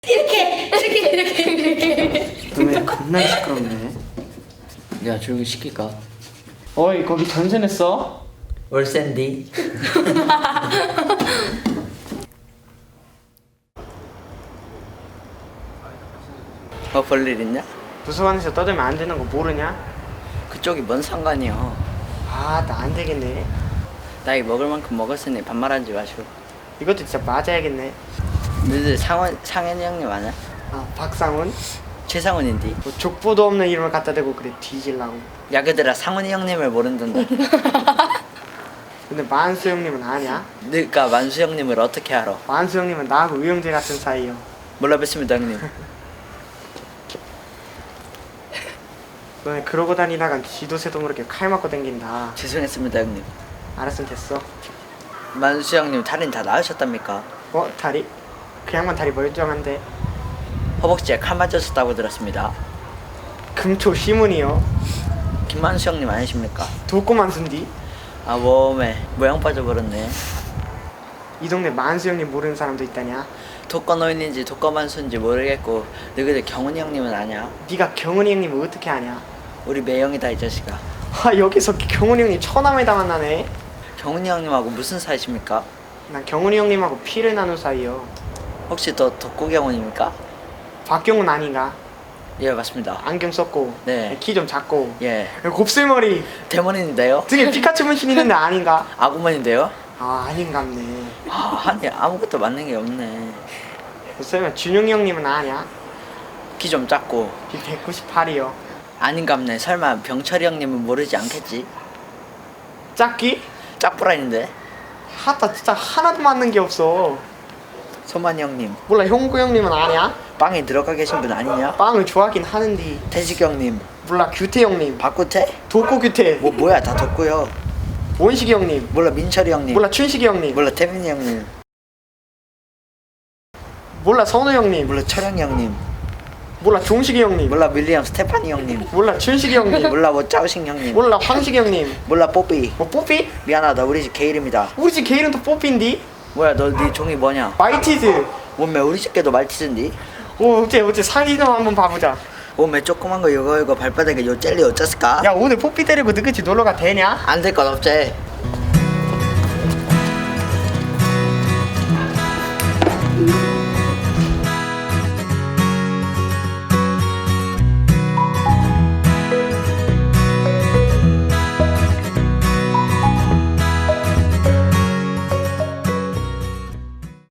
이렇게. 너네 겁나 시끄럽네. 내가 조용히 시킬까? 어이 거기 전세 냈어? 월샌디. 볼일 있냐? 도서관에서 떠들면 안 되는 거 모르냐? 그쪽이 뭔 상관이야. 아 나 안 되겠네. 나이 먹을 만큼 먹었으니 반말하지 마시고. 이것도 진짜 맞아야겠네. 너희들 상현이 형님 아냐? 아 박상훈? 최상훈인디. 뭐 족보도 없는 이름을 갖다 대고 그래 뒤질라고. 야 그들아 상훈이 형님을 모른단다. 근데 만수 형님은 아냐? 너가 만수 형님을 어떻게 알아? 만수 형님은 나하고 의형제 같은 사이요. 몰라 뵙습니다 형님. 너네 그러고 다니다간 지도새도 모르게 칼 맞고 댕긴다. 죄송했습니다 형님. 알았으면 됐어. 만수 형님 다리는 다 나으셨답니까? 다리? 그 양반 다리 멀쩡한데. 허벅지에 칼 맞으셨다고 들었습니다. 금초 시문이요. 김만수 형님 아니십니까? 독고만수인디. 아 몸에 모양 빠져버렸네. 이 동네 만수 형님 모르는 사람도 있다냐? 독거노인인지 독거만수인지 모르겠고 너희들 경훈이 형님은 아냐? 네가 경훈이 형님을 어떻게 아냐? 우리 매형이다 이 자식아. 아 여기서 경훈이 형님 처남에다 만나네. 경훈이 형님하고 무슨 사이십니까? 난 경훈이 형님하고 피를 나눈 사이요. 혹시 또 독고경훈입니까? 박경훈 아닌가? 예 맞습니다. 안경 썼고 네. 키 좀 작고 예 곱슬머리 대머리인데요? 등에 피카츄 문신 있는데 아닌가? 아구먼인데요? 아 아닌갑네. 아니 아무것도 맞는 게 없네. 설마 준용이 형님은 아냐? 키 좀 작고 비 198이요. 아닌갑네. 설마 병철이 형님은 모르지 않겠지? 짝기? 짝부라인데. 하다 진짜 하나도 맞는 게 없어. 소만이 형님 몰라 형구 형님은 아냐? 빵에 들어가 계신 분 아니냐? 빵을 좋아하긴 하는데. 태식 형님 몰라 규태 형님. 박구태? 독고 규태. 뭐야 다 덥고요. 원식이 형님. 몰라 민철이 형님. 몰라 춘식이 형님. 몰라 태민이 형님. 몰라 선우 형님. 몰라 철영이 형님. 몰라 종식이 형님. 몰라 밀리엄 스테파니 형님. 몰라 춘식이 형님. 몰라 뭐 짜오싱 형님. 몰라 황식이 형님. 몰라 뽀삐. 뭐 뽀삐? 미안하다 우리 집 개 이름이다. 우리 집 개 이름도 뽀삐인디? 뭐야 너 네 종이 뭐냐? 마이티즈. 몸매 우리 집 개도 말티즈인디? 어째 사진 좀 한번 봐보자. 몸매 조그만 거 이거 발바닥에 요 젤리 어쩌을까? 야 오늘 뽀삐 때리고 너같이 놀러가 되냐? 안 될 건 없지.